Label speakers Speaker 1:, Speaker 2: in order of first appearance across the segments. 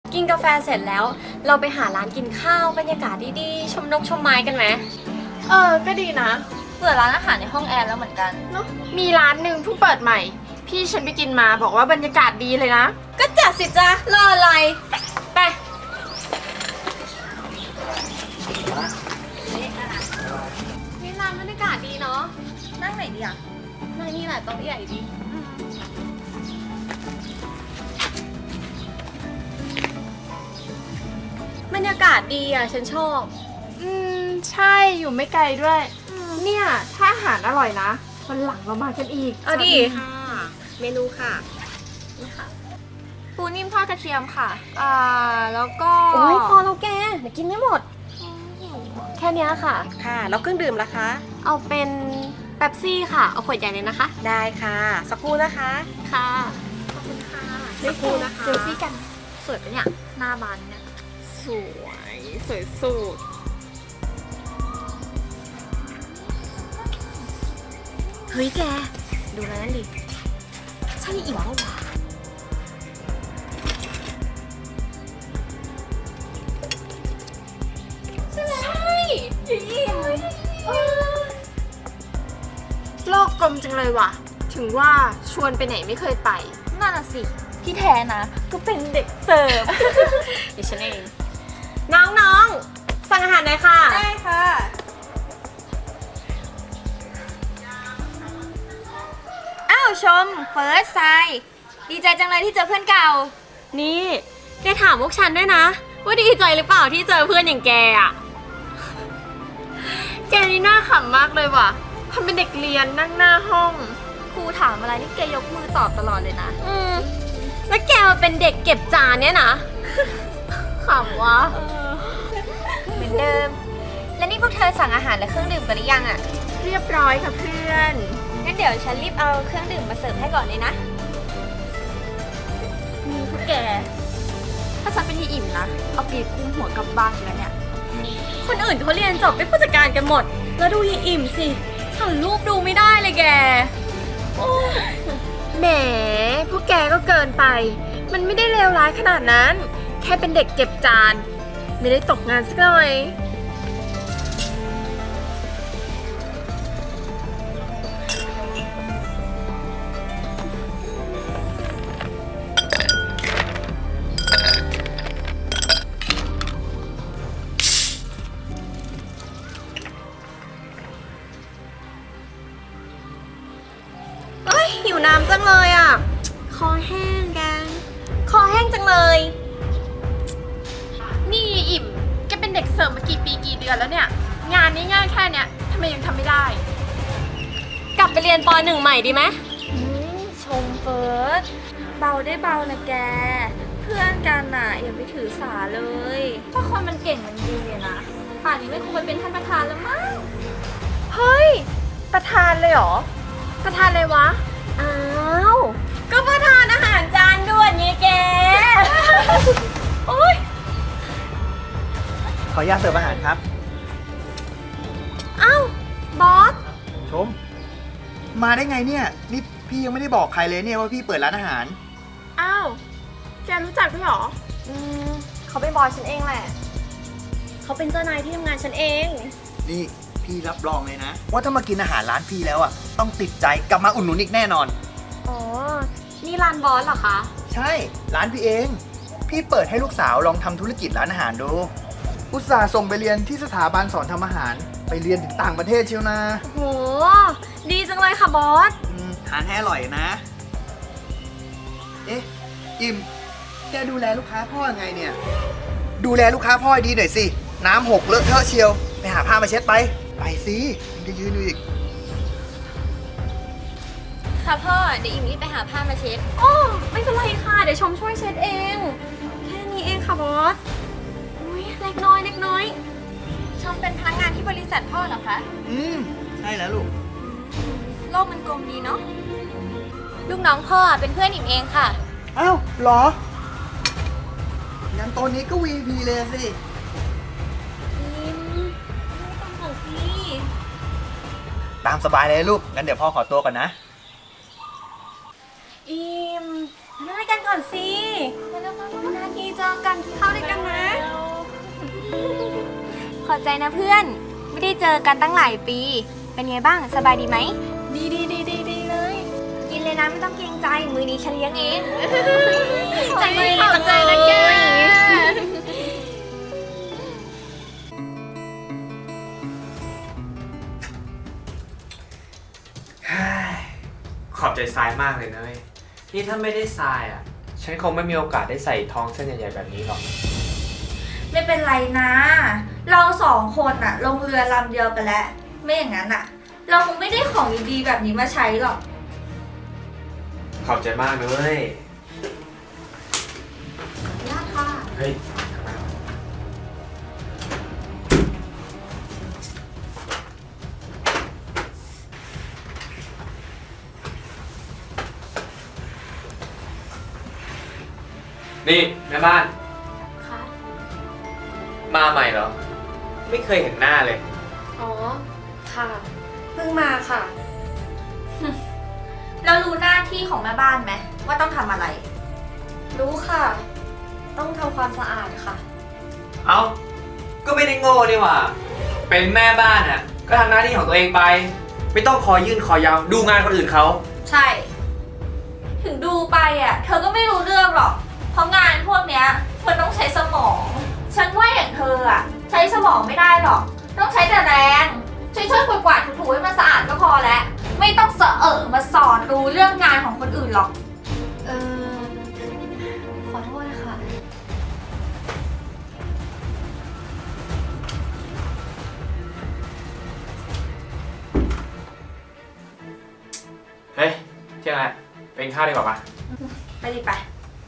Speaker 1: กินกาแฟเสร็จแล้ว เราไปหาร้านกินข้าวบรรยากาศดีๆชมนกชมไม้กันไหม
Speaker 2: ก็ดีนะ
Speaker 3: เปิดร้านอาหารในห้องแอร์แล้วเหมือนกัน
Speaker 2: เนาะมีร้านหนึ่งเพิ่งเปิดใหม่พี่ฉันไปกินมาบอกว่าบรรยากาศดีเลยนะ
Speaker 1: ก็จัดสิจ้ะรออะไรไปนี่ร้านบรรยากาศดีเนาะ
Speaker 3: นั่งไหนดีอ่ะ
Speaker 1: นั่งนี่แหละโต๊ะใหญ่ดีบรรยากาศดีอ่ะฉันชอบ
Speaker 2: ใช่อยู่ไม่ไกลด้วยเนี่ยถ้าอาหารอร่อยนะวันหลังเรามากันอีก
Speaker 1: เอาดิ
Speaker 2: เมนูค่ะ
Speaker 1: นี่ค่ะ
Speaker 3: ปูนิ่มทอดกระเทียมค่ะแล้วก็
Speaker 1: โอ้ยพอแล้วแกเดี๋ยวกินไม่หมดแค่นี้ค่ะ
Speaker 2: ค่ะแล้วเครื่องดื่มล่ะคะ
Speaker 1: เอาเป็นเป๊ปซี่ค่ะเอาขวดใหญ่เลยนะคะ
Speaker 2: ได้ค่ะสักครู่นะคะ
Speaker 1: ค่ะขอบคุณค่ะ
Speaker 2: สักครู่นะคะ
Speaker 1: เซลฟี่กันสวยปะเนี่ยหน้าบานเนี่ย
Speaker 2: สวยสุด
Speaker 1: เฮ้ยแกดูแล้วนั่นดิใช่อิ่มปะวะใช่อิ่ม
Speaker 2: โลกกลมจังเลยว่ะถึงว่าชวนไปไหนไม่เคยไป
Speaker 3: นั่นน่ะสิที่แท้นะก็เป็นเด็กเสิร์ฟ
Speaker 1: เดี๋ยวฉันเองน้องๆสั่งอาหารหน่อยค่ะ
Speaker 3: ได้ค่ะอ้าวชมเฟิร์สไซดีใจจังเลยที่เจอเพื่อนเก่า
Speaker 1: นี่แกถามพวกฉันด้วยนะว่าดีใจหรือเปล่าที่เจอเพื่อนอย่างแกอะ
Speaker 2: แกนี่น่าขำมากเลยว่ะทำเป็นเด็กเรียนนั่งหน้าห้อง
Speaker 3: ครูถามอะไรนี่แกยกมือตอบตลอดเลยนะ
Speaker 1: แล้วแกมาเป็นเด็กเก็บจานเนี่ยนะขำวะ
Speaker 3: เหมือนเดิมแล้วนี่พวกเธอสั่งอาหารและเครื่องดื่มกันหรือยังอ่ะ
Speaker 2: เรียบร้อยค่ะเพื่อน
Speaker 3: งั้นเดี๋ยวฉันรีบเอาเครื่องดื่มมาเสิร์ฟให้ก่อนเลยนะ
Speaker 2: มีพวกแกถ้าฉันเป็นที่อิ่มนะเอาปีกคุ้มหัวกลับบ้านแล้วเนี่ย
Speaker 1: คนอื่นเขาเรียนจบเป็นผู้จัดการกันหมดแล้วดูยิ่อิ่มสิฉันรูปดูไม่ได้เลยแก
Speaker 2: แหมพวกแกก็เกินไปมันไม่ได้เลวร้ายขนาดนั้นแค่เป็นเด็กเก็บจานไม่ได้ตกงานสักหน่อย
Speaker 1: หิวน้ำจังเลยอ่ะคอแห้งแกคอแห้งจังเลย
Speaker 2: นี่อิ่มแกเป็นเด็กเสิร์ฟมากี่ปีกี่เดือนแล้วเนี่ยงานนี้ง่ายแค่เนี้ยทำไมยังทำไม่ได้
Speaker 1: กลับไปเรียนป .1 ใหม่ดีไหม
Speaker 3: ชมเฟิร์สเบาได้เบานะแกเพื่อนกันน่ะอย่าไปถือสาเลยถ้าคนมันเก่งมันดีนะป่านนี้ไม่คงไปเป็นท่านประธานแล้วมั้ง
Speaker 2: เฮ้ยประธานเลยเหรอประธานเลยวะ
Speaker 1: อ้าวก็ประธานอาหารจานด่วนไงแกโอ๊ย
Speaker 4: ขออนุญาตเสิร์ฟอาหารครับ
Speaker 1: อ้าวบอส
Speaker 4: ชมมาได้ไงเนี่ยนี่พี่ยังไม่ได้บอกใครเลยเนี่ยว่าพี่เปิดร้านอาหาร
Speaker 2: อ้าวแกรู้จักด้วยเหรอ
Speaker 1: เขาเป็นบอสฉันเองแหละเขาเป็นเจ้านายที่ทำงานฉันเอง
Speaker 4: นี่พี่รับรองเลยนะว่าถ้ามากินอาหารร้านพี่แล้วอ่ะต้องติดใจกลับมาอุดหนุนอีกแน่นอน
Speaker 1: อ๋อนี่ร้านบอสเหรอคะ
Speaker 4: ใช่ร้านพี่เองพี่เปิดให้ลูกสาวลองทำธุรกิจร้านอาหารดูอุตส่าห์ส่งไปเรียนที่สถาบันสอนทำอาหารไปเรียนถึงต่างประเทศเชียวนะ
Speaker 1: โหดีจังเลยค่ะบอส
Speaker 4: ทานให้อร่อยนะเอ๊ะอิมแกดูแลลูกค้าพ่อยังไงเนี่ยดูแลลูกค้าพ่อให้ดีหน่อยสิน้ำหกเลอะเทอะเชียวไปหาผ้ามาเช็ดไปสิมันจะยืนอยู่อีก
Speaker 3: ค่ะพ่อเดี๋ยวอิมรีบไปหาผ้ามาเช็ด
Speaker 1: โอ้ไม่เป็นไรค่ะเดี๋ยวชมช่วยเช็ดเองแค่นี้เองค่ะบอสอุ้ยเล็กน้อย
Speaker 3: ชมเป็นพนักงานที่บริษัทพ่อเหรอคะ
Speaker 4: ใช่แล้วลูก
Speaker 3: โลกมันกลมดีเนาะลูกน้องพ่อเป็นเพื่อนอิมเองค่ะ
Speaker 4: อ้าวเหรองั้นตอนนี้ก็ VP เลยสิตามสบายเลยลูกงั้นเดี๋ยวพ่อขอตัวก่อนนะ
Speaker 1: อิมน่าด้วยกันก่อนสินานทีเจอกันเข้าด้วยกันนะ
Speaker 3: ขอบใจนะเพื่อน ไม่ได้เจอกันตั้งหลายปี เป็นไงบ้างสบายดีไหม
Speaker 1: ดีเลย
Speaker 3: กินเลยนะไม่ต้องเกรงใจ มือนี้ฉันเลี้ยงเอง
Speaker 1: ใจดีขอบใจนะแก
Speaker 5: ขอบใจทรายมากเลยนะเว้ยนี่ถ้าไม่ได้ทรายอ่ะ ฉันคงไม่มีโอกาสได้ใส่ทองเส้นใหญ่ๆแบบนี้หรอก
Speaker 3: ไม่เป็นไรนะ เราสองคนอะลงเรือลำเดียวกันแล้ว ไม่อย่างนั้นอะเราคงไม่ได้ของดีๆแบบนี้มาใช้หรอก
Speaker 5: ขอบใจมากนะเว้ย
Speaker 3: ยากค่ะ
Speaker 5: เฮ้ยนี่แม่บ้าน
Speaker 2: ค่ะ
Speaker 5: มาใหม่เหรอ ไม่เคยเห็นหน้าเลย
Speaker 2: อ๋อ ค่ะ เพิ่งมาค่ะ
Speaker 3: เรารู้หน้าที่ของแม่บ้านไหมว่าต้องทำอะไร
Speaker 2: รู้ค่ะ ต้องทำความสะอาดค่ะ
Speaker 5: เอ้า ก็ไม่ได้โง่นี่หว่า เป็นแม่บ้านอ่ะ ก็ทำหน้าที่ของตัวเองไป ไม่ต้องคอยยื่นคอยาวดูงานคนอื่นเขา
Speaker 3: ใช่ ถึงดูไปอะเธอก็ไม่รู้เรื่องหรอก เพราะงานพวกเนี้ยมันต้องใช้สมอง ฉันว่าอย่างเธออะใช้สมองไม่ได้หรอก ต้องใช้แต่แรง ช่วยๆกวาดๆถูๆให้มันสะอาดก็พอแล้ว ไม่ต้องเสอะมาสอนรู้เรื่องงานของคนอื่นหรอก
Speaker 2: ขอโทษค่ะ
Speaker 5: เฮ้ย เที่ยงแล้วเป็นข้าวดีกว่าปะ
Speaker 3: ไปดิไป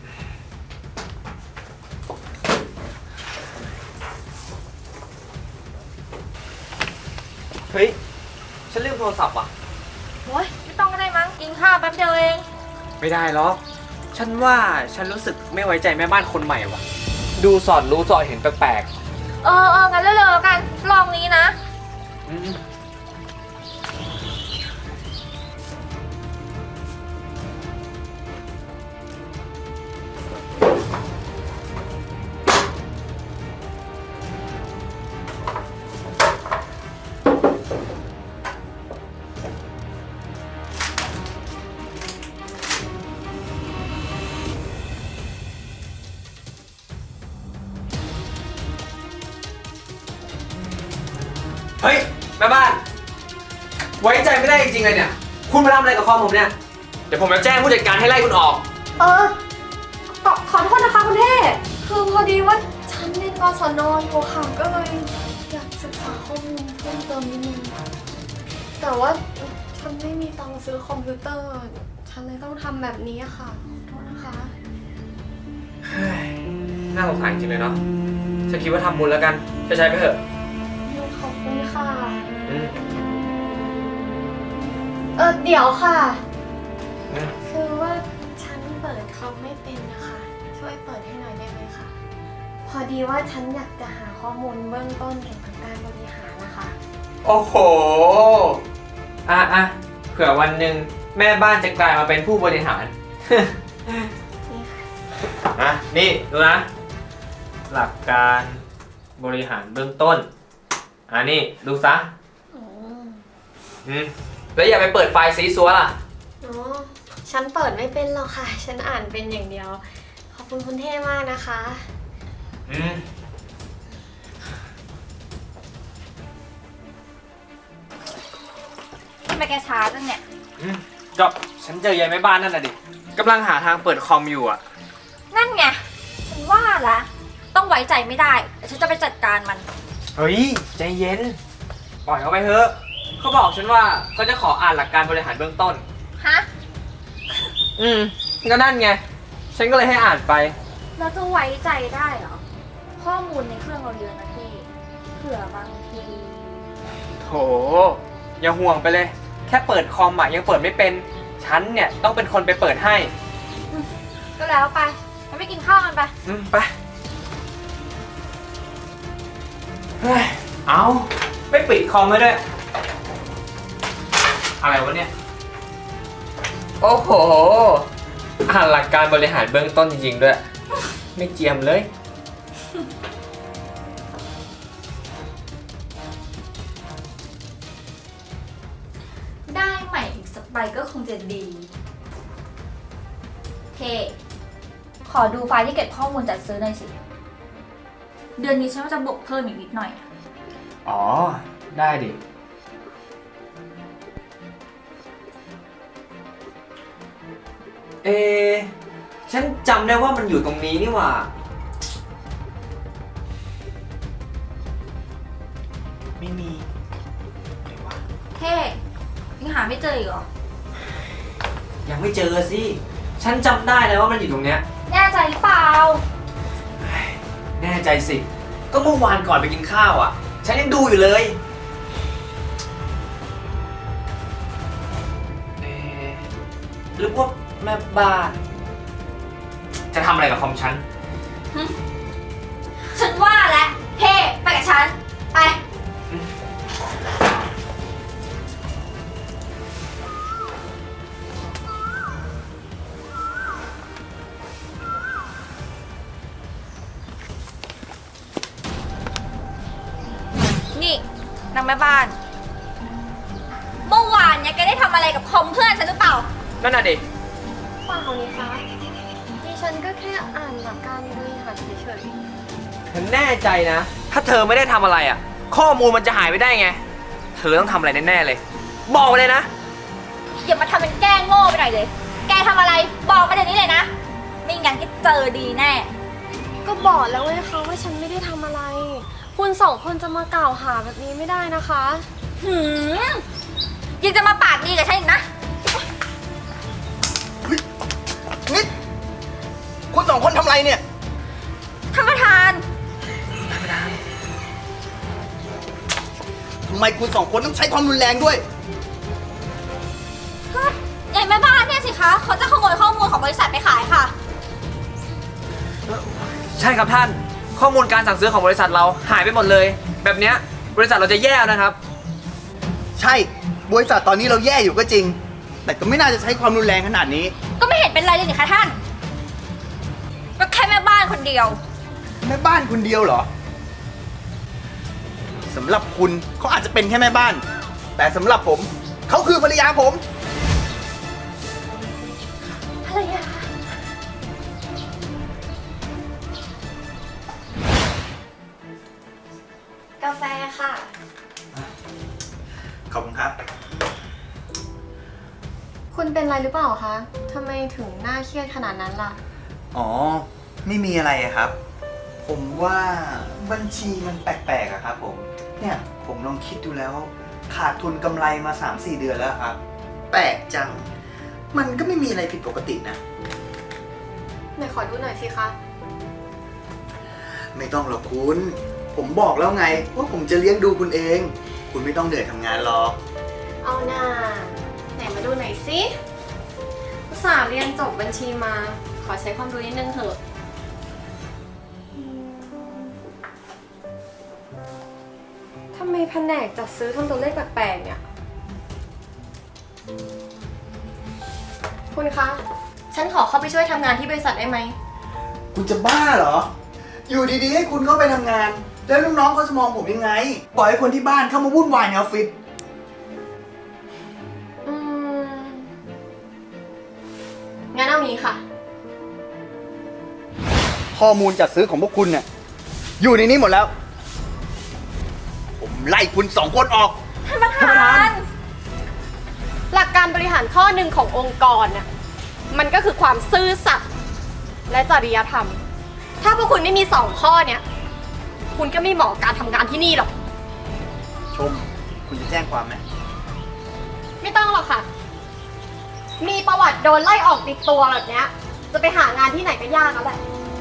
Speaker 5: เฮ้ย ฉันลืมโทรศัพท์ว่ะ
Speaker 3: โอ๊ยไม่ต้องก็ได้มั้ง กินข้าวแป๊บเดียวเอง
Speaker 5: ไม่ได้หรอก ฉันว่าฉันรู้สึกไม่ไว้ใจแม่บ้านคนใหม่ว่ะ ดูสอดรู้สอดเห็นแปลก
Speaker 3: งั้นเร็วๆแล้วกัน ลองนี้นะ
Speaker 5: ๆอืมเฮ้ย แม่บ้าน ไว้ใจไม่ได้จริงๆเลยเนี่ย คุณมาทำอะไรกับคอมผมเนี่ย เดี๋ยวผมจะแจ้งผู้จัดการให้ไล่คุณออก
Speaker 2: ขอโทษนะคะคุณเท่คือพอดีว่าฉันเรียนกศนอยู่ค่ะก็เลยอยากศึกษาข้อมูลเพิ่มเติมนิดนึงแต่ว่าฉันไม่มีตังค์ซื้อคอมพิวเตอร์ ฉันเลยต้องทำแบบนี้ค่ะขอโทษนะคะ
Speaker 5: เฮ้ย น่าสงสารจริงเลยเนาะ ฉันคิดว่าทำบุญแล้วกันใช้ไปเถอะ
Speaker 2: ขอบคุณค่ะ
Speaker 5: อืม
Speaker 2: เดี๋ยวค่ะ
Speaker 5: อืม
Speaker 2: คือว่าฉันเปิดคอมไม่เป็นนะคะ ช่วยเปิดให้หน่อยได้ไหมคะ พอดีว่าฉันอยากจะหาข้อมูลเบื้องต้นเกี่ยวกับการบริหารนะคะ
Speaker 5: โอ้โห อ่ะ เผื่อวันหนึ่งแม่บ้านจะกลายมาเป็นผู้บริหาร
Speaker 2: นี่ค่ะ
Speaker 5: นี่ดูนะ หลักการบริหารเบื้องต้น นี่ดูซะ
Speaker 2: อ๋อ
Speaker 5: แล้วอย่าไปเปิดไฟล์ซีซัวล่ะ
Speaker 2: อ๋อ ฉันเปิดไม่เป็นหรอกค่ะ ฉันอ่านเป็นอย่างเดียว ขอบคุณคุณเท่มากนะคะ
Speaker 3: ทำไมแกช้าจังเนี่ย
Speaker 5: ก็ฉันเจอยายแม่บ้านนั่นน่ะดิกำลังหาทางเปิดคอมอยู่อ่ะ
Speaker 3: นั่นไง ฉันว่าละต้องไว้ใจไม่ได้เดี๋ยวฉันจะไปจัดการมัน
Speaker 5: เฮ้ย ใจเย็น ปล่อยเขาไปเถอะ เขาบอกฉันว่าเขาจะขออ่านหลักการบริหารเบื้องต้น
Speaker 3: ฮะ
Speaker 5: ก็นั่นไง ฉันก็เลยให้อ่านไป
Speaker 3: แล้วจะไว้ใจได้เหรอ ข้อมูลในเครื่องเราเยอะนะพี่ เผื่อบางที
Speaker 5: โถ อย่าห่วงไปเลย แค่เปิดคอมอ่ะยังเปิดไม่เป็น ฉันเนี่ยต้องเป็นคนไปเปิดให้
Speaker 3: ก็แล้วไปงั้นไปกินข้าวกันไป
Speaker 5: ไป เฮ้ย เอาไม่ปิดคอมไว้ด้วย อะไรวะเนี่ย โอ้โหอ่านหลักการบริหารเบื้องต้นจริงๆด้วย ไม่เจียมเลย
Speaker 3: ได้ใหม่อีกสักใบก็คงจะดีเคขอดูไฟล์ที่เก็บข้อมูลจัดซื้อหน่อยสิ เดือนนี้ฉันว่าจะบวกเพิ่มอีกนิดหน่อยอะ
Speaker 5: อ๋อ ได้ดิ เอะฉันจำได้ว่ามันอยู่ตรงนี้นี่หว่า
Speaker 4: ไม่มี
Speaker 3: เคยังหาไม่เจออีกเหรอ
Speaker 5: ยังไม่เจอสิ ฉันจำได้แล้วว่ามันอยู่ตรงเนี้ย
Speaker 3: แน่ใจหรือเปล่า
Speaker 5: แน่ใจสิ ก็เมื่อวานก่อนไปกินข้าวอ่ะ ฉันยังดูอยู่เลยเอะหรือว่าแม่บ้าน จะทำอะไรกับคอมฉัน
Speaker 3: ฉันว่าแล้วเฮ้ไปกับฉัน ไป นี่นางแม่บ้าน เมื่อวานเนี่ยแกได้ทำอะไรกับคอมเพื่อนฉันหรือเปล่า
Speaker 5: นั่นน่ะดิ
Speaker 2: เปล่านี่คะดิฉันก็แค่อ่านหลักการบริหารเฉย
Speaker 5: เธอแน่ใจนะ ถ้าเธอไม่ได้ทำอะไรอ่ะ ข้อมูลมันจะหายไปได้ไง เธอต้องทำอะไรแน่ๆเลย บอกมาเลยนะ
Speaker 3: อย่ามาทำเป็นแกล้งโง่ไปหน่อยเลย แกทำอะไรบอกมาเดี๋ยวนี้เลยนะ ไม่งั้นก็เจอดีแน่
Speaker 2: ๆก็บอกแล้วไงคะว่าฉันไม่ได้ทำอะไร คุณสองคนจะมากล่าวหาแบบนี้ไม่ได้นะคะ
Speaker 3: หืมยังจะมาปากดีกับฉันอีกนะ
Speaker 4: นี่คุณสองคนทำอะไรเนี่ย
Speaker 3: ท่านประธาน
Speaker 4: ทำไมคุณสองคนต้องใช้ความรุนแรงด้วย
Speaker 3: ก็ยายแม่บ้านเนี่ยสิคะ เขาจะขโมยข้อมูลของบริษัทไปขายค่ะ
Speaker 5: ใช่ครับท่าน ข้อมูลการสั่งซื้อของบริษัทเราหายไปหมดเลย แบบเนี้ยบริษัทเราจะแย่นะครับ
Speaker 4: ใช่ บริษัทตอนนี้เราแย่อยู่ก็จริง แต่ก็ไม่น่าจะใช้ความรุนแรงขนาดนี้
Speaker 3: ก็ไม่เห็นเป็นไรเลยนี่คะท่าน ก็แค่แม่บ้านคนเดียว
Speaker 4: แม่บ้านคนเดียวเหรอ สำหรับคุณเขาอาจจะเป็นแค่แม่บ้าน แต่สำหรับผม เขาคือภรรยาผม
Speaker 3: ภรรยา
Speaker 2: กาแฟค่ะ
Speaker 4: ขอบคุณครับ
Speaker 2: คุณเป็นอะไรหรือเปล่าคะทำไมถึงหน้าเครียดขนาดนั้นล่ะ
Speaker 4: อ๋อ ไม่มีอะไรอะครับ ผมว่าบัญชีมันแปลกๆอะครับผม เนี่ยผมลองคิดดูแล้ว ขาดทุนกำไรมา 3-4 เดือนแล้วครับ แปลกจัง มันก็ไม่มีอะไรผิดปกตินะ
Speaker 2: ไหนขอดูหน่อยสิคะ
Speaker 4: ไม่ต้องหรอกคุณ ผมบอกแล้วไงว่าผมจะเลี้ยงดูคุณเอง คุณไม่ต้องเหนื่อยทำงานหรอก
Speaker 2: เอาหน่าไหนมาดูหน่อยสิอุตส่าห์เรียนจบบัญชีมา ขอใช้ความรู้นิดนึงเถอะทำไมแผนกจัดซื้อทำตัวเลขแปลกๆเนี่ย คุณคะ ฉันขอเข้าไปช่วยทำงานที่บริษัทได้ไหม
Speaker 4: คุณจะบ้าเหรอ อยู่ดีๆให้คุณเข้าไปทำงาน แล้วลูกน้องเขาจะมองผมยังไง ปล่อยให้คนที่บ้านเข้ามาวุ่นวายในออฟฟิศ
Speaker 2: งั้นเอางี้ค่ะ
Speaker 4: ข้อมูลจัดซื้อของพวกคุณเนี่ยอยู่ในนี้หมดแล้ว ผมไล่คุณ2 คนออก
Speaker 3: ท่านประธาน
Speaker 2: หลักการบริหารข้อหนึ่งขององค์กรน่ะมันก็คือความซื่อสัตย์และจริยธรรม ถ้าพวกคุณไม่มี2 ข้อเนี่ย คุณก็ไม่เหมาะกับการทำงานที่นี่หรอก
Speaker 4: ชม คุณจะแจ้งความไหม
Speaker 2: ไม่ต้องหรอกค่ะ มีประวัติโดนไล่ออกติดตัวแบบเนี้ย จะไปหางานที่ไหนก็ยากแล้วแหละ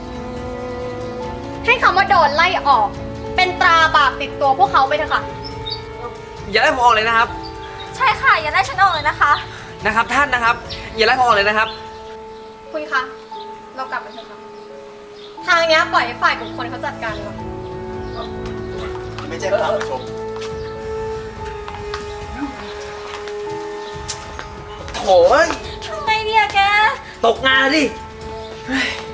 Speaker 2: ให้คำว่าโดนไล่ออก เป็นตราบาปติดตัวพวกเขาไปเถอะค่ะ
Speaker 5: อย่าไล่ผมออกเลยนะครับ
Speaker 3: ใช่ค่ะ อย่าได้ฉันออกเลยนะคะ
Speaker 5: นะครับท่านนะครับ อย่าไล่ผมออกเลยนะครับ
Speaker 2: คุณคะ เรากลับมาเถอะค่ะ ทางเนี้ยปล่อยให้ฝ่ายบุคคลเขาจัดการดีกว่า
Speaker 4: ไม่แจ้งความหรอกชม
Speaker 5: โถ่เอ้ย
Speaker 3: ทำไงดีอะแก
Speaker 5: ตกงานดิ